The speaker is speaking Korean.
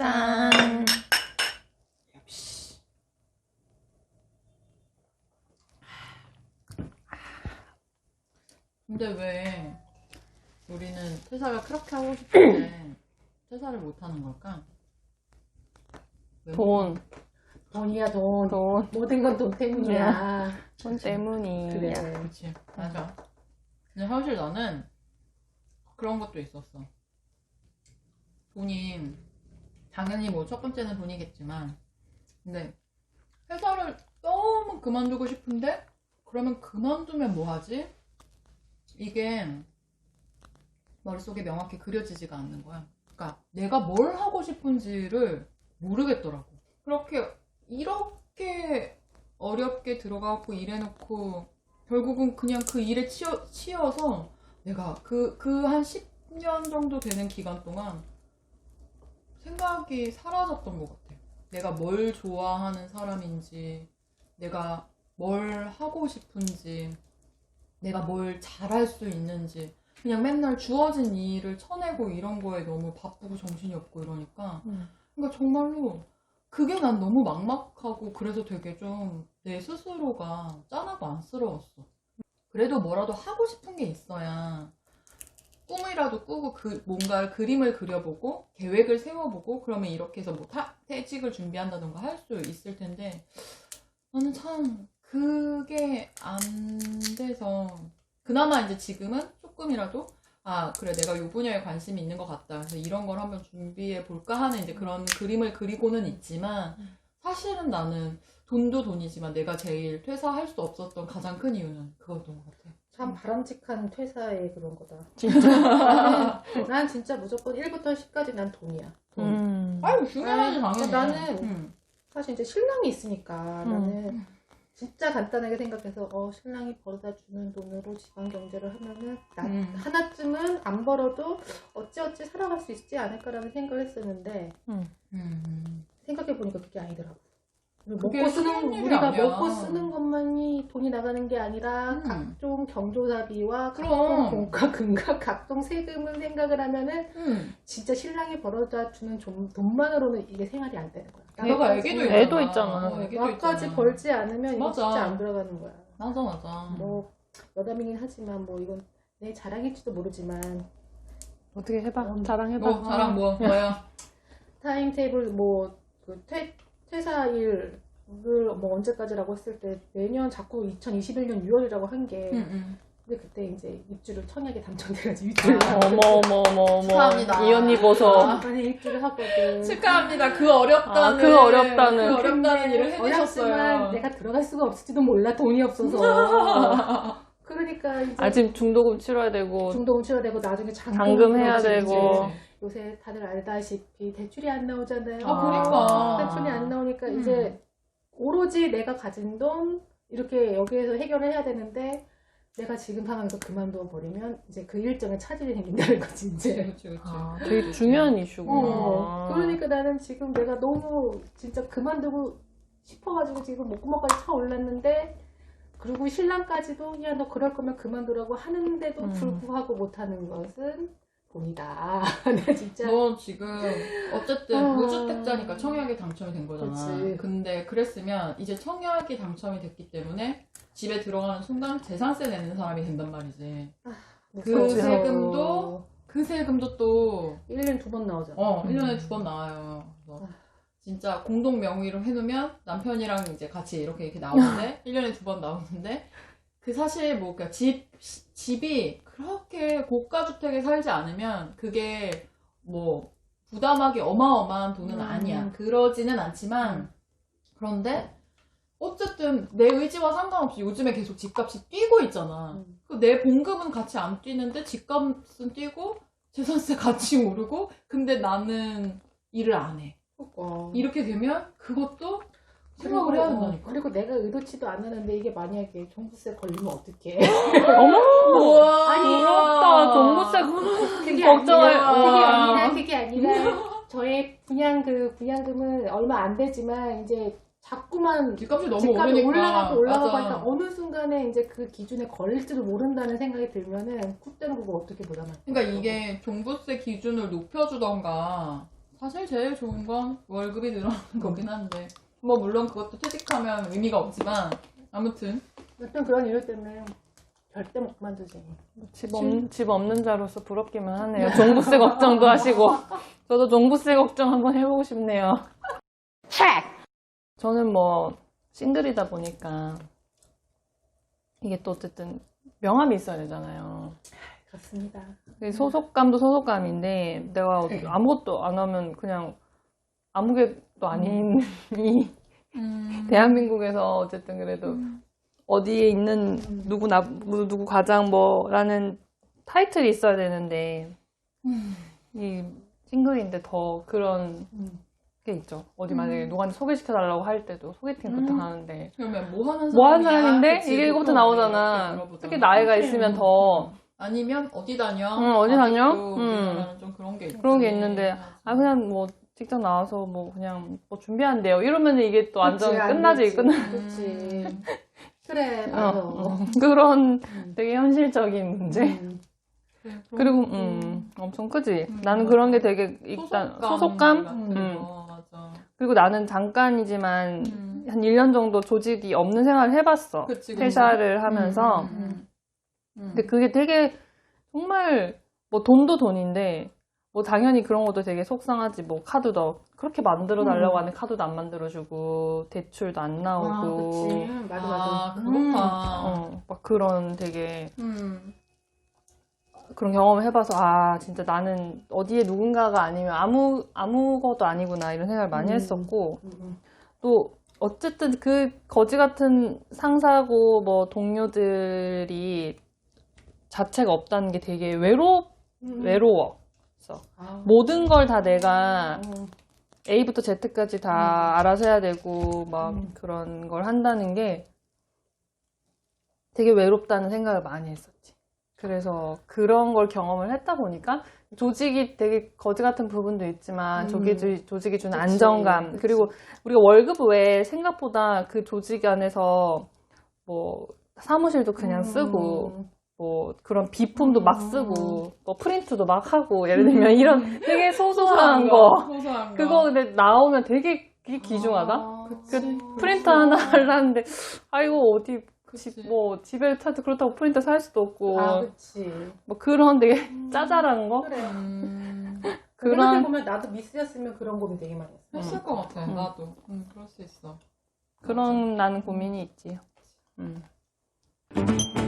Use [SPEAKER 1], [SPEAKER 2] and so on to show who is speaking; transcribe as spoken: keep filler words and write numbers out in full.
[SPEAKER 1] 짠.
[SPEAKER 2] 역시. 근데 왜 우리는 퇴사를 그렇게 하고 싶은데 퇴사를 못 하는 걸까? 왜
[SPEAKER 1] 돈.
[SPEAKER 3] 돈이야 돈.
[SPEAKER 1] 돈.
[SPEAKER 3] 모든 건 돈 때문이야.
[SPEAKER 1] 돈 때문이야.
[SPEAKER 3] 그래.
[SPEAKER 2] 그치, 맞아. 근데 사실 나는 그런 것도 있었어. 돈이, 당연히 뭐 첫 번째는 돈이겠지만, 근데 회사를 너무 그만두고 싶은데, 그러면 그만두면 뭐 하지? 이게 머릿속에 명확히 그려지지가 않는 거야. 그러니까 내가 뭘 하고 싶은지를 모르겠더라고. 그렇게, 이렇게 어렵게 들어가고 일해놓고, 결국은 그냥 그 일에 치여, 치여서 내가 그, 그 한 십 년 정도 되는 기간 동안 생각이 사라졌던 것 같아. 내가 뭘 좋아하는 사람인지, 내가 뭘 하고 싶은지, 내가 뭘 잘할 수 있는지, 그냥 맨날 주어진 일을 쳐내고 이런 거에 너무 바쁘고 정신이 없고 이러니까.
[SPEAKER 1] 음.
[SPEAKER 2] 그러니까 정말로 그게 난 너무 막막하고 그래서 되게 좀 내 스스로가 짠하고 안쓰러웠어. 그래도 뭐라도 하고 싶은 게 있어야 꿈이라도 꾸고 그 뭔가 그림을 그려보고 계획을 세워보고 그러면 이렇게 해서 뭐 타, 퇴직을 준비한다던가 할 수 있을 텐데 나는 참 그게 안 돼서 그나마 이제 지금은 조금이라도 아 그래 내가 이 분야에 관심이 있는 것 같다 그래서 이런 걸 한번 준비해 볼까 하는 이제 그런 그림을 그리고는 있지만 사실은 나는 돈도 돈이지만 내가 제일 퇴사할 수 없었던 가장 큰 이유는 그거였던 것 같아.
[SPEAKER 3] 참 바람직한 퇴사의 그런 거다.
[SPEAKER 1] 진짜.
[SPEAKER 3] 나는, 난 진짜 무조건 일부터 십까지 난 돈이야. 돈.
[SPEAKER 1] 음.
[SPEAKER 2] 아유 중요하지
[SPEAKER 3] 아니,
[SPEAKER 2] 당연히.
[SPEAKER 3] 나는
[SPEAKER 2] 음.
[SPEAKER 3] 사실 이제 신랑이 있으니까
[SPEAKER 1] 음.
[SPEAKER 3] 나는 진짜 간단하게 생각해서 어 신랑이 벌어다 주는 돈으로 집안 경제를 하면은 나
[SPEAKER 2] 음.
[SPEAKER 3] 하나쯤은 안 벌어도 어찌어찌 살아갈 수 있지 않을까라는 생각을 했었는데
[SPEAKER 1] 음.
[SPEAKER 2] 음.
[SPEAKER 3] 생각해 보니까 그게 아니더라고.
[SPEAKER 2] 그게
[SPEAKER 3] 먹고
[SPEAKER 2] 쉬운
[SPEAKER 3] 쓰는
[SPEAKER 2] 일이
[SPEAKER 3] 우리가
[SPEAKER 2] 아니야.
[SPEAKER 3] 먹고 쓰는 것만이 돈이 나가는 게 아니라
[SPEAKER 2] 음.
[SPEAKER 3] 각종 경조사비와
[SPEAKER 2] 그럼.
[SPEAKER 3] 각종 공과 금과 각종 세금을 생각을 하면은
[SPEAKER 2] 음.
[SPEAKER 3] 진짜 신랑이 벌어다 주는 좀- 돈만으로는 이게 생활이 안 되는 거야.
[SPEAKER 2] 내가
[SPEAKER 3] 나까지-
[SPEAKER 2] 애기도
[SPEAKER 3] 어,
[SPEAKER 2] 있잖아.
[SPEAKER 1] 애도 있잖아.
[SPEAKER 2] 어, 애기도
[SPEAKER 3] 나까지
[SPEAKER 2] 있잖아.
[SPEAKER 3] 벌지 않으면 이거
[SPEAKER 2] 맞아.
[SPEAKER 3] 진짜 안 들어가는 거야.
[SPEAKER 2] 맞아 맞아.
[SPEAKER 3] 뭐 여담이긴 하지만 뭐 이건 내 자랑일지도 모르지만
[SPEAKER 1] 어떻게 해봐.
[SPEAKER 3] 음.
[SPEAKER 1] 자랑해봐.
[SPEAKER 2] 뭐 자랑 뭐 뭐야?
[SPEAKER 3] 타임테이블 뭐그 퇴사일을 뭐 언제까지라고 했을 때 매년 자꾸 이천이십일 년 유월이라고 한 게
[SPEAKER 2] 응, 응.
[SPEAKER 3] 근데 그때 이제 입주를 청약에 당첨돼가지고 입주를
[SPEAKER 1] 어머 어머 어머 어머.
[SPEAKER 2] 축하합니다.
[SPEAKER 1] 이 언니 보소.
[SPEAKER 3] 아니 입주를 하거든.
[SPEAKER 2] 축하합니다. 그 어렵다는
[SPEAKER 1] 아, 그 어렵다는.
[SPEAKER 2] 그 어렵다는
[SPEAKER 3] 근데
[SPEAKER 2] 일을
[SPEAKER 3] 어렵지만
[SPEAKER 2] 해내셨어요.
[SPEAKER 3] 내가 들어갈 수가 없을지도 몰라 돈이 없어서. 그러니까 이제
[SPEAKER 1] 아 지금 중도금 치러야 되고
[SPEAKER 3] 중도금 치러야 되고 나중에 잔금,
[SPEAKER 1] 잔금 해야
[SPEAKER 3] 그렇지,
[SPEAKER 1] 되고.
[SPEAKER 3] 이제 요새 다들 알다시피 대출이 안 나오잖아요.
[SPEAKER 2] 아, 그러니까.
[SPEAKER 3] 대출이 안 나오니까
[SPEAKER 2] 음.
[SPEAKER 3] 이제 오로지 내가 가진 돈 이렇게 여기에서 해결을 해야 되는데 내가 지금 상황에서 그만둬 버리면 이제 그 일정에 차질이 생긴다는 거지 이제.
[SPEAKER 2] 그렇지 그렇지.
[SPEAKER 1] 아, 되게 중요한 이슈구나.
[SPEAKER 3] 어, 그러니까 나는 지금 내가 너무 진짜 그만두고 싶어가지고 지금 목구멍까지 차 올랐는데 그리고 신랑까지도 야 너 그럴 거면 그만두라고 하는데도
[SPEAKER 1] 음.
[SPEAKER 3] 불구하고 못하는 것은 돈이다. 내가 진짜
[SPEAKER 2] 너 지금 어쨌든
[SPEAKER 3] 어.
[SPEAKER 2] 무주택자니까 청약에 당첨이 된 거잖아.
[SPEAKER 3] 그치.
[SPEAKER 2] 근데 그랬으면 이제 청약이 당첨이 됐기 때문에 집에 들어가는 순간 재산세 내는 사람이 된단 말이지. 그
[SPEAKER 3] 무서워서.
[SPEAKER 2] 세금도 그 세금도 또
[SPEAKER 3] 일 년에 두 번 나오잖아.
[SPEAKER 2] 어,
[SPEAKER 1] 음.
[SPEAKER 2] 일 년에 두 번 나와요. 그래서
[SPEAKER 3] 아.
[SPEAKER 2] 진짜 공동 명의로 해놓으면 남편이랑 이제 같이 이렇게 이렇게 나오는데 일 년에 두 번 나오는데 그 사실 뭐 그러니까 집 집이 그렇게 고가 주택에 살지 않으면 그게 뭐 부담하기 어마어마한 돈은
[SPEAKER 3] 음.
[SPEAKER 2] 아니야. 그러지는 않지만
[SPEAKER 3] 음.
[SPEAKER 2] 그런데 어쨌든 내 의지와 상관없이 요즘에 계속 집값이 뛰고 있잖아.
[SPEAKER 3] 음.
[SPEAKER 2] 그 내 봉급은 같이 안 뛰는데 집값은 뛰고 재산세 같이 오르고 근데 나는 일을 안 해.
[SPEAKER 3] 그러니까.
[SPEAKER 2] 이렇게 되면 그것도 생각을 해야 된다니까.
[SPEAKER 3] 그리고 내가 의도치도 않았는데 이게 만약에 종부세 걸리면 어떡해.
[SPEAKER 1] 어머.
[SPEAKER 2] 우와.
[SPEAKER 3] 아니,
[SPEAKER 1] 부럽다. 종부세
[SPEAKER 3] 그게
[SPEAKER 1] 걱정을.
[SPEAKER 3] 아니라, 그게
[SPEAKER 1] 와.
[SPEAKER 3] 아니라 그게 아니라 저의 분양 그 분양금은 얼마 안 되지만 이제 자꾸만
[SPEAKER 2] 집값이 너무
[SPEAKER 3] 집값이
[SPEAKER 2] 오르니까.
[SPEAKER 3] 올라가고 올라가고
[SPEAKER 2] 맞아.
[SPEAKER 3] 하니까 어느 순간에 이제 그 기준에 걸릴지도 모른다는 생각이 들면은 콧대는 그거 어떻게 부담할 거야.
[SPEAKER 2] 그러니까 이게 종부세 기준을 높여주던가 사실 제일 좋은 건 월급이 늘어나는 거긴 한데 뭐 물론 그것도 퇴직하면 의미가 없지만 아무튼
[SPEAKER 3] 어떤 그런 이유 때문에 절대 못 그만두지.
[SPEAKER 1] 집, 없, 집 없는 자로서 부럽기만 하네요. 종부세 걱정도 하시고. 저도 종부세 걱정 한번 해보고 싶네요. 저는 뭐 싱글이다 보니까 이게 또 어쨌든 명함이 있어야 되잖아요.
[SPEAKER 3] 그렇습니다.
[SPEAKER 1] 소속감도 소속감인데 내가 아무것도 안 하면 그냥 아무것도 아닌 이
[SPEAKER 2] 음.
[SPEAKER 1] 대한민국에서 어쨌든 그래도
[SPEAKER 2] 음.
[SPEAKER 1] 어디에 있는 누구 나 누구 과장 뭐라는 타이틀이 있어야 되는데
[SPEAKER 2] 음.
[SPEAKER 1] 이 싱글인데 더 그런
[SPEAKER 3] 음.
[SPEAKER 1] 게 있죠. 어디 만약에 누구한테 소개시켜 달라고 할 때도 소개팅부터
[SPEAKER 2] 음.
[SPEAKER 1] 하는데
[SPEAKER 2] 그러면 뭐 하는
[SPEAKER 1] 뭐 하는
[SPEAKER 2] 사람이야?
[SPEAKER 1] 사람인데
[SPEAKER 2] 그치,
[SPEAKER 1] 이게 이거부터
[SPEAKER 2] 보통
[SPEAKER 1] 나오잖아.
[SPEAKER 2] 이렇게 물어보잖아.
[SPEAKER 1] 특히 나이가
[SPEAKER 3] 그치.
[SPEAKER 1] 있으면 더
[SPEAKER 2] 아니면 어디 다녀?
[SPEAKER 1] 응, 어디 다녀?
[SPEAKER 2] 아직도
[SPEAKER 1] 응.
[SPEAKER 2] 우리나라는 좀 그런 게 있지.
[SPEAKER 1] 그런 게 있는데 아 그냥 뭐 직장 나와서 뭐 그냥 뭐 준비한대요. 이러면 이게 또 완전
[SPEAKER 3] 그치, 안
[SPEAKER 1] 끝나지
[SPEAKER 3] 되지.
[SPEAKER 1] 끝나.
[SPEAKER 3] 그치. 그래,
[SPEAKER 1] 어,
[SPEAKER 3] 맞아.
[SPEAKER 1] 어. 그런
[SPEAKER 3] 음.
[SPEAKER 1] 되게 현실적인 문제.
[SPEAKER 3] 음.
[SPEAKER 2] 그래, 그런
[SPEAKER 1] 그리고
[SPEAKER 2] 것도
[SPEAKER 1] 음 엄청 크지.
[SPEAKER 2] 음,
[SPEAKER 1] 나는
[SPEAKER 2] 맞아.
[SPEAKER 1] 그런 게 되게 일단
[SPEAKER 2] 소속감,
[SPEAKER 1] 소속감.
[SPEAKER 2] 같은
[SPEAKER 1] 음.
[SPEAKER 2] 거, 맞아.
[SPEAKER 1] 그리고 나는 잠깐이지만
[SPEAKER 2] 음.
[SPEAKER 1] 한 일 년 정도 조직이 없는 생활을 해봤어.
[SPEAKER 2] 그치, 그치.
[SPEAKER 1] 퇴사를 하면서.
[SPEAKER 2] 음, 음, 음.
[SPEAKER 1] 근데 그게 되게 정말 뭐 돈도 돈인데 뭐 당연히 그런 것도 되게 속상하지. 뭐 카드도 그렇게 만들어 달라고
[SPEAKER 3] 음.
[SPEAKER 1] 하는 카드도 안 만들어주고 대출도 안 나오고.
[SPEAKER 3] 아, 그치. 맞아, 맞아.
[SPEAKER 2] 아,
[SPEAKER 3] 음.
[SPEAKER 2] 그렇다.
[SPEAKER 1] 어, 막 그런 되게
[SPEAKER 2] 음.
[SPEAKER 1] 그런 경험을 해봐서 아 진짜 나는 어디에 누군가가 아니면 아무 아무것도 아니구나 이런 생각을 많이
[SPEAKER 3] 음.
[SPEAKER 1] 했었고
[SPEAKER 3] 음.
[SPEAKER 1] 또 어쨌든 그 거지 같은 상사고 뭐 동료들이 자체가 없다는 게 되게 외로
[SPEAKER 3] 음.
[SPEAKER 1] 외로워.
[SPEAKER 3] 아.
[SPEAKER 1] 모든 걸 다 내가
[SPEAKER 3] 어.
[SPEAKER 1] A부터 Z까지 다 알아서 해야 되고 막
[SPEAKER 3] 음.
[SPEAKER 1] 그런 걸 한다는 게 되게 외롭다는 생각을 많이 했었지. 그래서 그런 걸 경험을 했다 보니까 조직이 되게 거지 같은 부분도 있지만
[SPEAKER 3] 음.
[SPEAKER 1] 조직이, 조직이 주는
[SPEAKER 3] 그치,
[SPEAKER 1] 안정감
[SPEAKER 3] 그치.
[SPEAKER 1] 그리고 우리가 월급 외에 생각보다 그 조직 안에서 뭐 사무실도 그냥 쓰고
[SPEAKER 3] 음.
[SPEAKER 1] 뭐 그런 비품도
[SPEAKER 3] 음.
[SPEAKER 1] 막 쓰고 뭐 프린트도 막 하고 예를 들면 이런 되게 소소한 거
[SPEAKER 2] 소소한 거.
[SPEAKER 1] 그거 근데 나오면 되게 그게 귀중하다.
[SPEAKER 2] 아,
[SPEAKER 1] 그
[SPEAKER 2] 그치.
[SPEAKER 1] 프린터 하나 하려는데 아이고 어디
[SPEAKER 2] 그치.
[SPEAKER 1] 집, 뭐 집에 타도 그렇다고 프린터 살 수도 없고
[SPEAKER 3] 아, 그치.
[SPEAKER 1] 뭐 그런 되게 짜잘한 거
[SPEAKER 3] 그래.
[SPEAKER 2] 음.
[SPEAKER 1] 그런-
[SPEAKER 3] 생각해보면 나도 미스였으면 그런 고민 되게 많이 했어.
[SPEAKER 2] 했을 것 같아.
[SPEAKER 1] 음.
[SPEAKER 2] 나도. 음, 그럴 수 있어.
[SPEAKER 1] 그런 나는 고민이 있지. 음.